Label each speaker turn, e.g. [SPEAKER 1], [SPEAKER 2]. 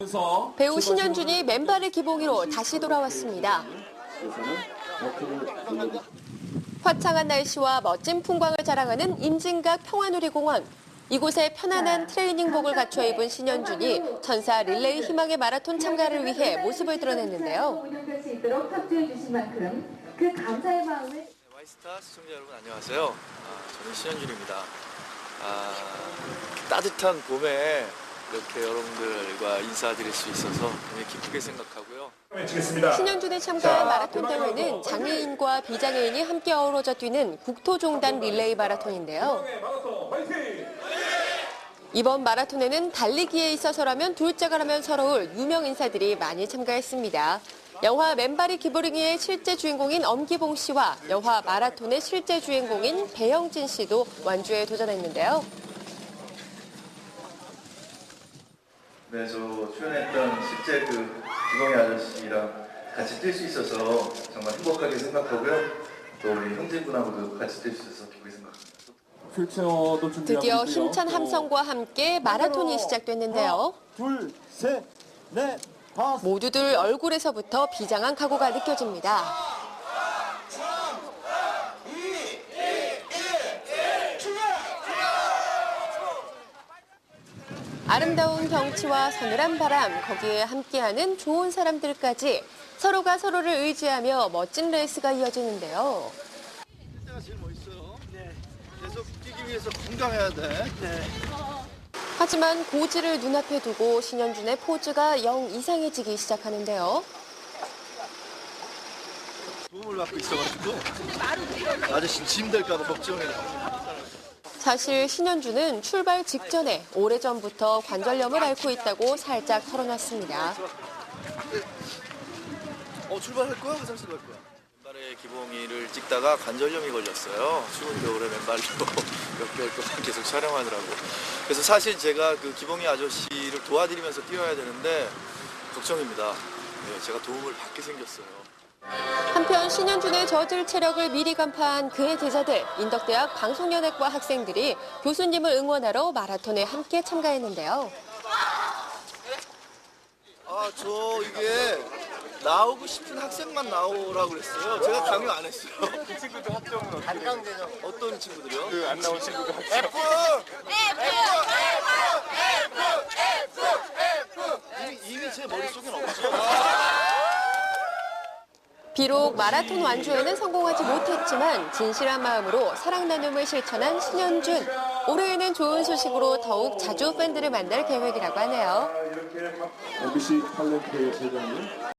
[SPEAKER 1] 배우 신현준이 맨발의 기봉이로 다시 돌아왔습니다. 화창한 날씨와 멋진 풍광을 자랑하는 임진각 평화누리공원. 이곳에 편안한 트레이닝복을 갖춰 입은 신현준이 천사 릴레이 희망의 마라톤 참가를 위해 모습을 드러냈는데요.
[SPEAKER 2] 와이스타 시청자 여러분 안녕하세요. 저는 신현준입니다. 따뜻한 봄에 이렇게 여러분들과 인사드릴 수 있어서 굉장히 기쁘게 생각하고요.
[SPEAKER 1] 신현준이 참가한 마라톤 대회는 장애인과 비장애인이 함께 어우러져 뛰는 국토종단 릴레이 마라톤인데요. 이번 마라톤에는 달리기에 있어서라면 둘째가라면 서러울 유명 인사들이 많이 참가했습니다. 영화 맨발의 기부링이의 실제 주인공인 엄기봉 씨와 영화 마라톤의 실제 주인공인 배영진 씨도 완주에 도전했는데요.
[SPEAKER 3] 네, 저 출연했던 실제 기봉이 아저씨랑 같이 뛸 수 있어서 정말 행복하게 생각하고요. 또 우리 형제분하고도 같이 뛸 수 있어서 기쁘게 생각합니다.
[SPEAKER 1] 드디어 힘찬 함성과 함께 마라톤이 시작됐는데요.
[SPEAKER 4] 둘, 셋, 넷, 다섯.
[SPEAKER 1] 모두들 얼굴에서부터 비장한 각오가 느껴집니다. 아름다운 경치와 서늘한 바람, 거기에 함께하는 좋은 사람들까지 서로가 서로를 의지하며 멋진 레이스가 이어지는데요.
[SPEAKER 5] 때가 제일 멋있어요. 네. 계속 뛰기 위해서 건강해야 돼. 네.
[SPEAKER 1] 하지만 고지를 눈앞에 두고 신현준의 포즈가 영 이상해지기 시작하는데요.
[SPEAKER 5] 도움을 받고 있어가지고 아저씨 짐 될까봐 걱정해요.
[SPEAKER 1] 사실 신현준은 출발 직전에 오래전부터 관절염을 앓고 있다고 살짝 털어놨습니다.
[SPEAKER 5] 출발할 거야? 화장실 갈 거야?
[SPEAKER 2] 맨발의 기봉이를 찍다가 관절염이 걸렸어요. 추운 겨울에 맨발로 몇 개월 동안 계속 촬영하느라고. 그래서 사실 제가 기봉이 아저씨를 도와드리면서 뛰어야 되는데 걱정입니다. 네, 제가 도움을 받게 생겼어요.
[SPEAKER 1] 한편 신현준의 저질 체력을 미리 간파한 그의 제자들, 인덕대학 방송연예과 학생들이 교수님을 응원하러 마라톤에 함께 참가했는데요.
[SPEAKER 5] 이게 나오고 싶은 학생만 나오라고 그랬어요. 제가 강요 안 했어요.
[SPEAKER 4] 그 친구들 학점은 단강대죠.
[SPEAKER 5] 어떤 친구들이요?
[SPEAKER 4] 안 나온 친구들 학점.
[SPEAKER 5] 이미 제 머릿속엔 없죠.
[SPEAKER 1] 비록 마라톤 완주에는 성공하지 못했지만 진실한 마음으로 사랑 나눔을 실천한 신현준. 올해에는 좋은 소식으로 더욱 자주 팬들을 만날 계획이라고 하네요.
[SPEAKER 6] MBC 탤런트의 회장님.